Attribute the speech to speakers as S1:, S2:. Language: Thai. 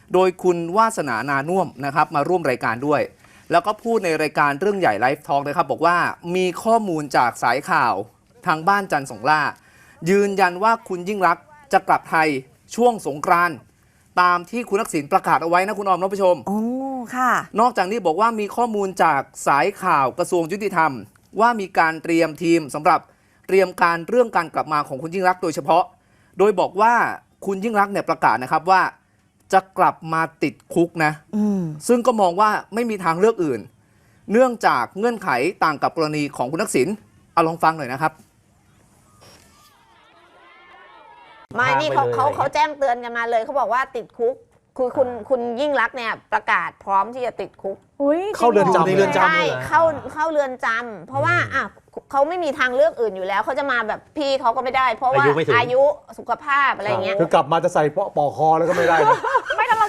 S1: โดยคุณวาสนานานุ่วมนะครับมาร่วมรายการด้วย แล้วก็พูดในรายการเรื่องใหญ่ไลฟ์ทอล์กนะครับบอกว่ามีข้อมูลจากสายข่าวทางบ้านจันทร์สงล่ายืนยันว่าคุณยิ่งรักษณ์จะกลับไทยช่วงสงกรานต์ตามที่คุณทักษิณประกาศเอาไว้นะคุณออมท่านผู้ชม
S2: โอ้ค่ะ
S1: นอกจากนี้บอกว่ามีข้อมูลจากสายข่าวกระทรวงยุติธรรมว่ามีการเตรียมทีมสำหรับเตรียมการเรื่องการกลับมาของคุณยิ่งรักษณ์โดยเฉพาะโดยบอกว่าคุณยิ่งรักษณ์เนี่ยประกาศนะครับว่าจะกลับมาติดคุกนะซึ่งก็มองว่าไม่มีทางเลือกอื่นเนื่องจากเงื่อนไขต่างกับกรณีของคุณทักษิณเอาลองฟังหน่อยนะครับ
S3: ไม่นี่เขาแจ้งเตือนกันมาเลยเขาบอกว่าติดคุกคือคุณยิ่งรักษณ์เนี่ยประกาศพร้อมที่จะติดคุก
S4: เข้าเรือนจำในเรือนจำ
S3: ใช่เข้าเรือนจำเพราะว่าเขาไม่มีทางเลือกอื่นอยู่แล้วเขาจะมาแบบพี่เขาก็ไม่ได้ เพราะว่าอายุสุขภาพอะไรเงี้ย
S4: คือกลับมาจะใส่ปอกคอแล้วก็ไม่ได้นะ